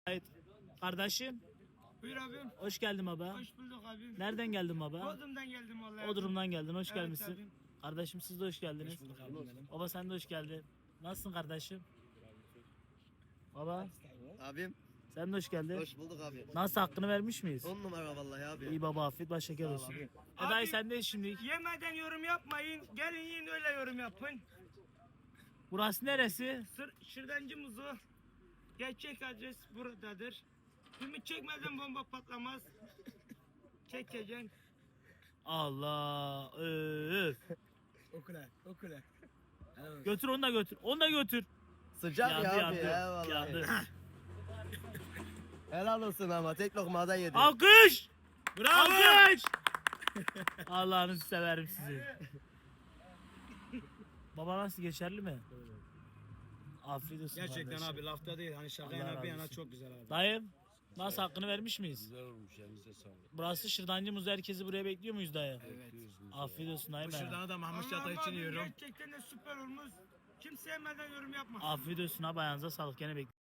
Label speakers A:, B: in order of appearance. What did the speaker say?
A: Evet. Kardeşim,
B: Buyur abim.
A: hoş geldin baba.
B: Hoş bulduk abim.
A: Nereden geldin baba?
B: Bodrum'dan geldim vallahi.
A: O durumdan geldin, hoş
B: Evet
A: gelmişsin.
B: abim.
A: Kardeşim siz de hoş geldiniz.
B: Hoş bulduk abim benim.
A: Baba sen de hoş geldin. Nasılsın kardeşim? Baba
C: Abim
A: sen de hoş geldin.
C: hoş bulduk abi.
A: Nasıl hakkını vermiş miyiz?
C: 10 numara vallahi abi.
A: İyi baba afiyet baş şeker olsun.
B: Abi-
A: Dayı sendeyiz şimdi.
B: Yemeden yorum yapmayın. Gelin yiyin öyle yorum yapın.
A: Burası neresi?
B: Şırdancı muzu. Gerçek adres buradadır. Ümit çekmeden bomba patlamaz. Çekeceksin.
A: Allah. Öf.
B: Okula, okula.
A: Götür onu da götür. Onu da götür.
C: Sıcak
A: Yandı,
C: ya abi
A: yandı.
C: ya vallahi.
A: Yandı.
C: Helal olsun ama tek lokmada yedi.
A: Alkış! Bravo! Alkış! Allah'ınızı severim sizi. Baba nasıl geçerli mi? Afiyet olsun
B: Gerçekten
A: kardeşim.
B: abi lafta değil. Hani şaka
A: Allah
B: yana
A: razı
B: bir yana
A: olsun.
B: çok güzel abi.
A: Dayım nasıl hakkını vermiş miyiz?
D: Güzel olmuş, elinize sağlık.
A: Burası Şırdancı Muzu, herkesi buraya bekliyor muyuz dayı?
B: Evet.
A: Afiyet olsun dayım.
B: Bu
A: benim.
B: şırdanı da Mahmut Çatay için yiyorum. Gerçekten de süper olmuş. Kimse yemeden yorum yapma.
A: Afiyet olsun abi, ayağınıza sağlık, gene bekliyorum.